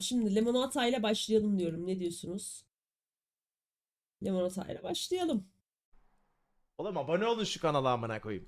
Şimdi limonata ile başlayalım diyorum. Ne diyorsunuz? Limonata ile başlayalım. Oğlum abone olun şu kanala amına koyayım.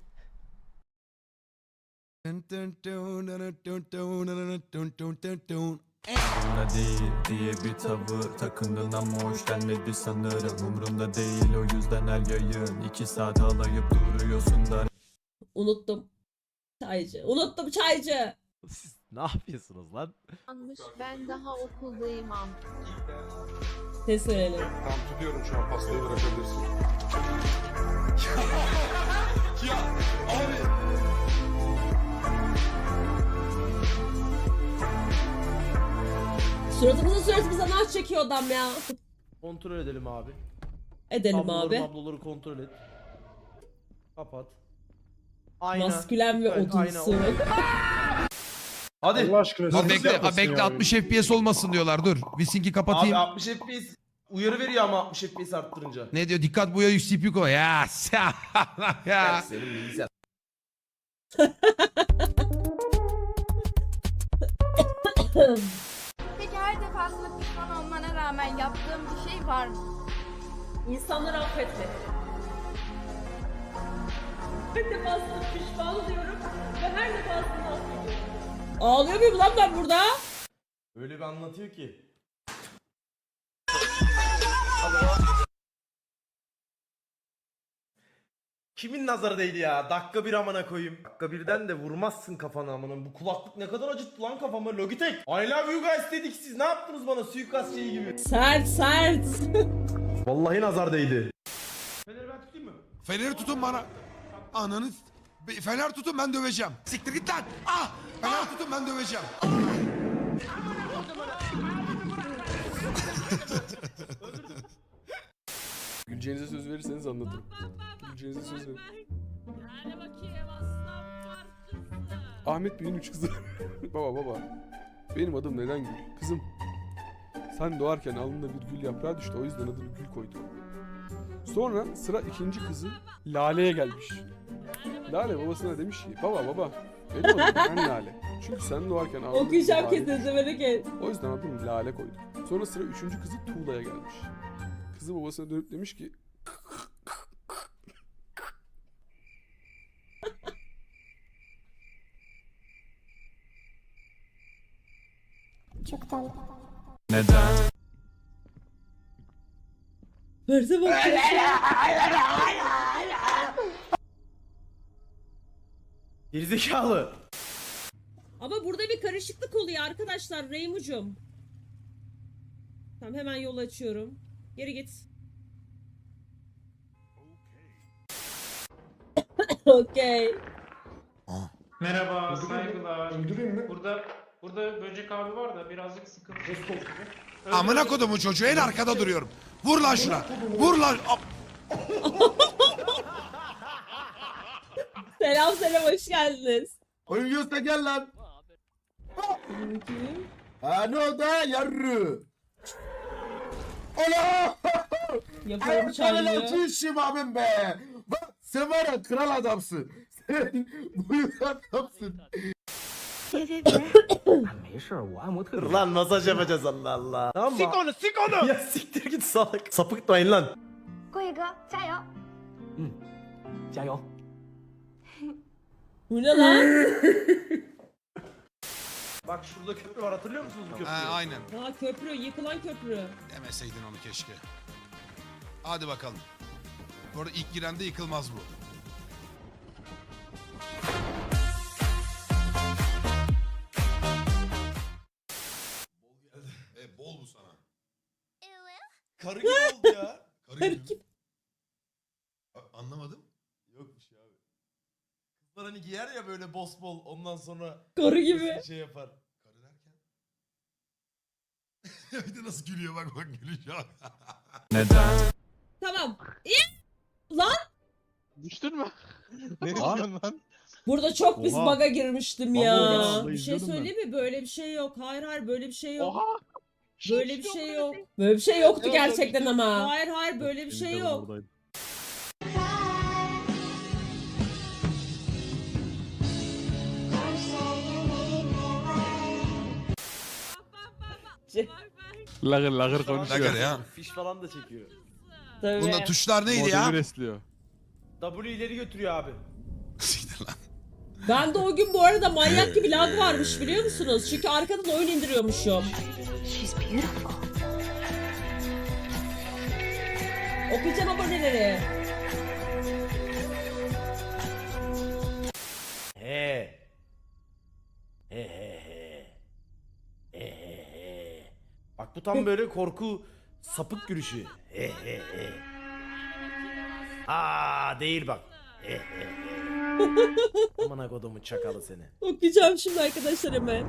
Umrumda değil diye bir tavır takındın ama hoş gelmedi sanırım. Umrumda değil o yüzden her yayın 2 saat alayıp duruyorsun da. Unuttum. Çaycı. Unuttum çaycı. Siz ne yapıyorsunuz lan? Yanlış. Ben daha okuldayım am. Ses verelim. Tamam tutuyorum şu an pastayı bırakabilirsin. ya abi. Suratımıza naş çekiyor adam ya. Kontrol edelim abi. Edelim Tabloları abi. mabloları kontrol et. Kapat. Ayna. Maskülen ve Evet, ayna. odunsu. Hadi. Allah aşkına. Dur siz bekle, yapmasın bekle ya. 60 FPS olmasın diyorlar. Dur. Wisink'i Abi kapatayım. 60 FPS uyarı veriyor ama 60 FPS arttırınca. Ne diyor? Dikkat buya CPU koy. Ya. ya. Senin bilgisayar. Peki her defasında pişman olmana rağmen yaptığım bir şey var mı? İnsanları affetmek. Her defasında pişman oluyorum ve her defasında affediyorum. Ağlıyor muyum lan ben burada? Öyle bir anlatıyor ki. Kimin nazarı değdi ya? Dakika bir amına koyayım. Dakika birden de vurmazsın kafana amına. Bu kulaklık ne kadar acıttı lan kafama. Logitech. I love you guys dedik, siz ne yaptınız bana suikast şeyi gibi. Sert sert. Vallahi nazar değdi. Feneri ben tutayım mı? Feneri tutun bana. Ananı... Fener tutun ben döveceğim. Siktir git lan. Ah! Fener tutun ben döveceğim. Güleceğinize söz verirseniz anlatırım. Güleceğinize söz verin. Ahmet Bey'in 3 kızı. baba. Benim adım neden Gül? Kızım. Sen doğarken alnında bir gül yaprağı düştü. O yüzden adını Gül koyduk. Sonra sıra ikinci kızı Lale'ye gelmiş. Lale babasına demiş ki baba benim adım ben Lale. Çünkü sen doğarken alnında bir Okuyacağım lale kesin düştü. merak et. O yüzden adını Lale koyduk. Sonra sıra üçüncü kızı Tuğla'ya gelmiş. Kızı babasına dönüp demiş ki Neden? Verse bak. Gerizekalı. Ama burada bir karışıklık oluyor arkadaşlar Reymucum. Tamam hemen yol açıyorum. Geri git. Okey. Merhaba, saygılar. öldüreyim mi? Burada böcek abi var da birazcık sıkıntı. Amına kodumun çocuğu en arkada duruyorum. Vur lan şuna. Vur lan. Selam hoş geldiniz. Oyun yiyorsa gel lan. Bakayım. Ha ne oldu ha yarrı? Ola! Yapıyorum çayını. Ayaklarına işim abim be. Bak sen var ya kral adamsın. Sen buyur adamsın. Dur lan masaj yapacağız Allah Allah. Tamam mı? Sik onu. Ya siktir git salak. Sapıtmayın lan. 贵哥，加油！ 加油。 Bu ne lan? Bak şurada köprü var, hatırlıyor musunuz bu köprüyü? Aynen. Ha köprü, yıkılan köprü. Demeseydin onu keşke. Hadi bakalım. Bu arada ilk girende yıkılmaz bu. Bol geldi. Bol bu sana. Karı gibi oldu ya. Karı gibi. Anlamadım. Yok bir şey abi. Kızlar hani giyer ya böyle boss bol, ondan sonra Karı gibi. şey yapar. Karı derken? Bir de nasıl gülüyor bak gülüyor. Neden? Tamam. Lan düştün mü? ne diyorsun lan? burada çok pis Oha. bug'a girmiştim ya. Vallahi Bir şey izliyordum ben. söyleyeyim mi? Böyle bir şey yok. Hayır böyle bir şey yok. Oha! Böyle bir şey yok. Böyle bir şey yoktu Evet, gerçekten ama. Hayır böyle bir şey yok. Oradaydı. Twitch'çi. Lagır lagır konuşuyor. Lagır ya. Fiş falan da çekiyor. Tabii. Bunda tuşlar neydi ya? Modemi resliyor. W ileri götürüyor abi. Siktir lan. Ben de o gün bu arada manyak gibi lag varmış biliyor musunuz? Çünkü arkadan oyun indiriyormuşum. Okuyacağım aboneleri. He. He he he. He he he. Bak bu tam böyle korku sapık gülüşü. He he he. Aa değil bak. He he he. Amına kodumun çakalı seni. Okuyacağım şimdi arkadaşlar hemen.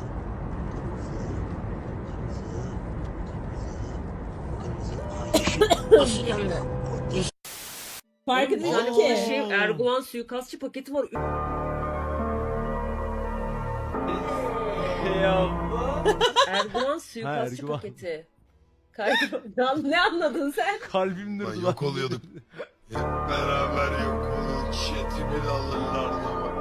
Fark edin ki. Erdoğan suikastçı paketi var. Erdoğan suikastçı paketi. Ne anladın sen? Kalbim Lan yok oluyorduk. Hep beraber yok oluyorduk. Chatimi de alırlardı bak.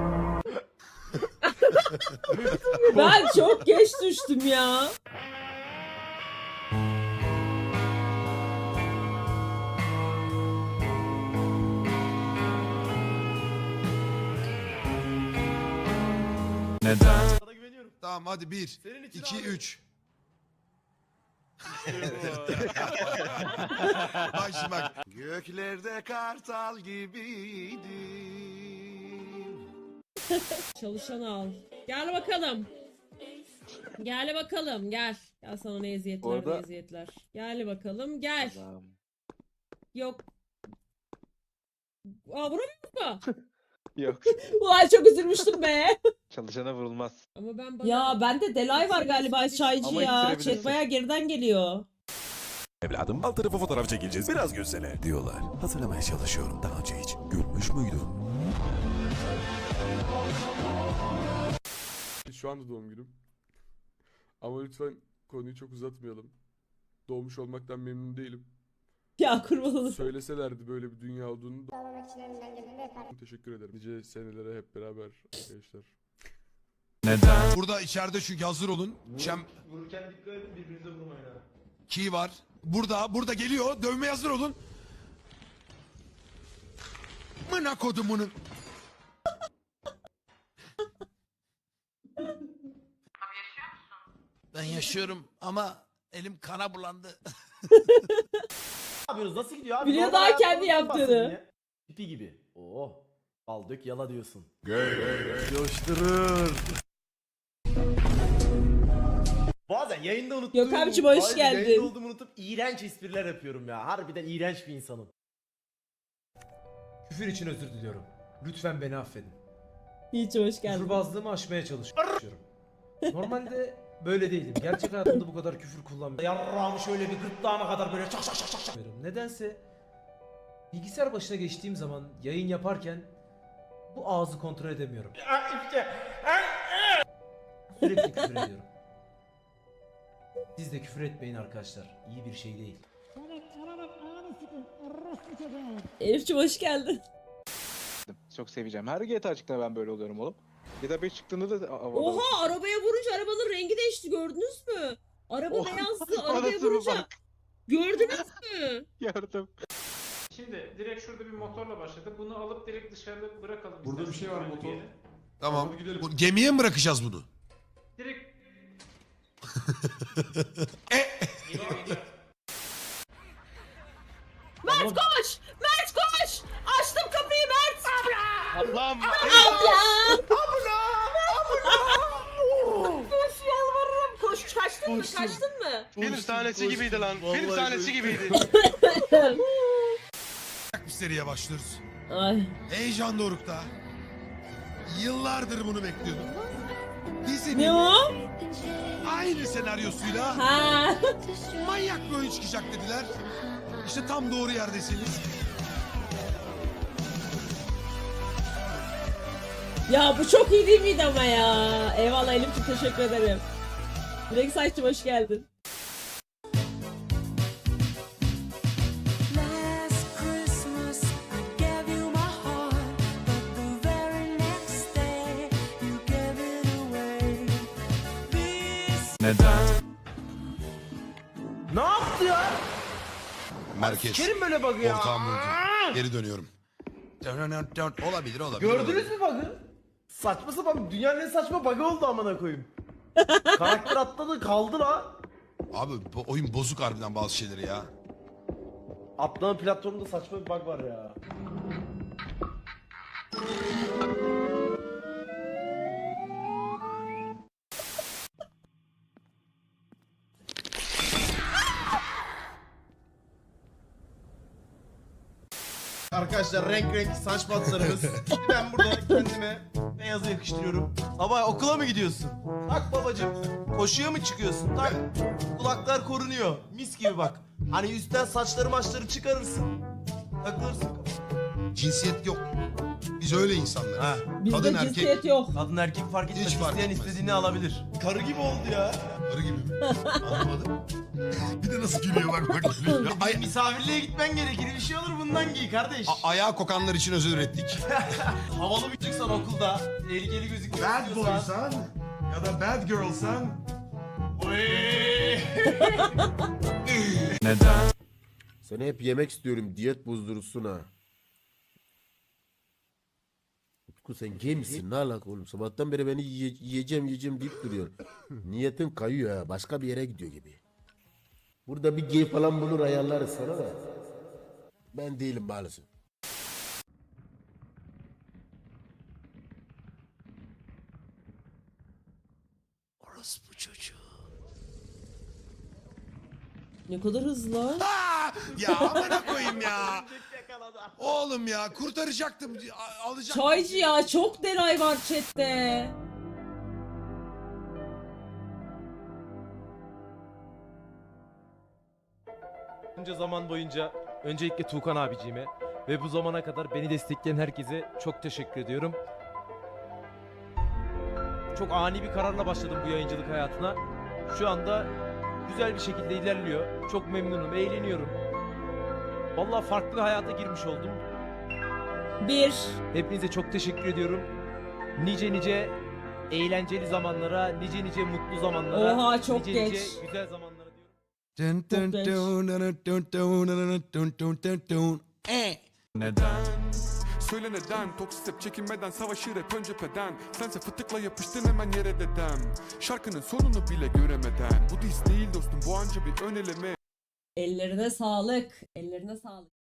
Ben çok geç düştüm ya. Neden? Sana güveniyorum. Tamam hadi 1, Senin için 2, abi. 3. Bak şimdi bak. Göklerde kartal gibiydim. Çalışan al. Gel bakalım. Gel bakalım gel. Gel sana ne eziyetler ne eziyetler. Gel bakalım gel. Yok. Aa vuramıyor mu? Yok. Ulan çok üzülmüştüm be. Çalışana vurulmaz. Ama ya bende delay var galiba çaycı Ama ya. ittirebilirsin. Chat bayağı geriden geliyor. Evladım alt tarafa fotoğraf çekileceğiz biraz gülsene diyorlar. Hatırlamaya çalışıyorum daha önce hiç gülmüş müydüm? Şu anda doğum günüm. Ama lütfen konuyu çok uzatmayalım. Doğmuş olmaktan memnun değilim. Ya kurban olayım. Söyleselerdi böyle bir dünya olduğunu da... Teşekkür ederim. Nice senelere hep beraber arkadaşlar. Neden? Burada içeride çünkü hazır olun. Vururken dikkat edin birbirinize vurmayın ha. Key var. Burada geliyor. Dövmeye hazır olun. Mına kodumunun. Ben yaşıyorum ama elim kana bulandı. Ne yapıyorsunuz? Nasıl gidiyor abi? Biliyor Normal daha kendi hayatınızdan bahsedin yaptığını. ya. Tipi gibi. Oo. Al dök yala diyorsun. Coşturur. Bazen yayında unuttuğum... Yok abicim, hoş Bazen geldin. Yayında olduğumu unutup iğrenç espriler yapıyorum ya. Harbiden iğrenç bir insanım. Küfür için özür diliyorum. Lütfen beni affedin. Hiç hoş geldin. Küfürbazlığımı aşmaya çalışıyorum. Normalde böyle değildim. Gerçek hayatımda bu kadar küfür kullanmıyorum. Yarrağımı şöyle bir gırtlağına kadar böyle çak. Nedense bilgisayar başına geçtiğim zaman yayın yaparken bu ağzı kontrol edemiyorum. Sürekli küfür ediyorum. Siz de küfür etmeyin arkadaşlar. İyi bir şey değil. Elif'cim hoş geldin. Çok seveceğim. Her GTA çıktığında ben böyle oluyorum oğlum. GTA 5 çıktığında da... Oha arabaya vurunca arabanın rengi değişti gördünüz mü? Araba Oh, beyazdı arabaya anasını vurunca. bak. Gördünüz mü? Yardım. Şimdi direkt şurada bir motorla başladı. Bunu alıp direkt dışarıda bırakalım. Burada bir şey var, isterseniz motor. bir yere. Tamam. Hadi gidelim. Bu, gemiye mi bırakacağız bunu? Direkt... Mert koş! Mert koş! Açtım kapıyı Mert! Ablam! Koş yalvarırım koş. Kaçtın mı? Kaçtın mı? Film sahnesi gibiydi lan. Film sahnesi gibiydi. Bir seriye başlıyoruz. Ay. Heyecan dorukta. Yıllardır bunu bekliyordum. Dizinin Ne o? aynı senaryosuyla Ha. manyak bir oyun çıkacak dediler. İşte tam doğru yerdesiniz. Ya bu çok iyi değil miydi ama ya? Eyvallah Elif'ciğim teşekkür ederim. Direkt saçtım hoş geldin. Neden? Ne yaptı ya? Merkez. Kerim böyle bug'ı ya. Ortağım vurdu. Geri dönüyorum. Olabilir olabilir. Gördünüz mü bug'ı? Saçma sapan dünyanın en saçma bug'ı oldu amına koyayım. Karakter atladı kaldı la. Abi bu oyun bozuk harbiden bazı şeyleri ya. Atlama platformunda saçma bir bug var ya. Arkadaşlar renk saç patlarımız. Ben burada kendime beyazı yakıştırıyorum. Baba okula mı gidiyorsun? Tak babacım. Koşuya mı çıkıyorsun? Tak. Kulaklar korunuyor. Mis gibi bak. Hani üstten saçları maçları çıkarırsın. Takılırsın kafana. Cinsiyet yok. Biz öyle insanlarız. Ha. Bizde Kadın cinsiyet erkek. yok. Kadın erkek fark etmez. Hiç fark İsteyen etmez. istediğini alabilir. Karı gibi oldu ya. Arı gibi mi? Anlamadım. Bir de nasıl gülüyor bak. Gülüyor. Misafirliğe gitmen gerekir. Bir şey olur bundan giy kardeş. Ayağı kokanlar için özür ürettik. Havalı bir çocuksan okulda. Tehlikeli gözükmek istiyorsan. ya da bad girlsan. Neden? Seni hep yemek istiyorum diyet bozdurursun ha. Utku sen gay misin? Ne alaka oğlum? Sabahtan beri beni yiyeceğim deyip duruyor. Niyetin kayıyor ha. Başka bir yere gidiyor gibi. Burada bir gay falan bulur ayarlarız sana da. Ben değilim maalesef. Orospu çocuğu. Ne kadar hızlı. Ya amına koyayım ya. Oğlum ya kurtaracaktım. Alacaktım. Çaycı ya, çok deray var chatte. Bunca zaman boyunca öncelikle Tuğkan abiciğime ve bu zamana kadar beni destekleyen herkese çok teşekkür ediyorum. Çok ani bir kararla başladım bu yayıncılık hayatına. Şu anda güzel bir şekilde ilerliyor. Çok memnunum, eğleniyorum. Vallahi farklı bir hayata girmiş oldum. Bir. Hepinize çok teşekkür ediyorum. Nice eğlenceli zamanlara, nice mutlu zamanlara, Oha, çok nice geç. güzel zamanlara diyorum. Neden? Söyle neden? Toksik hep çekinmeden savaşır hep ön cepheden. Sense fıtıkla yapıştın hemen yere dedem. Şarkının sonunu bile göremeden. Bu diz değil dostum, bu anca bir ön eleme. Ellerine sağlık. Ellerine sağlık.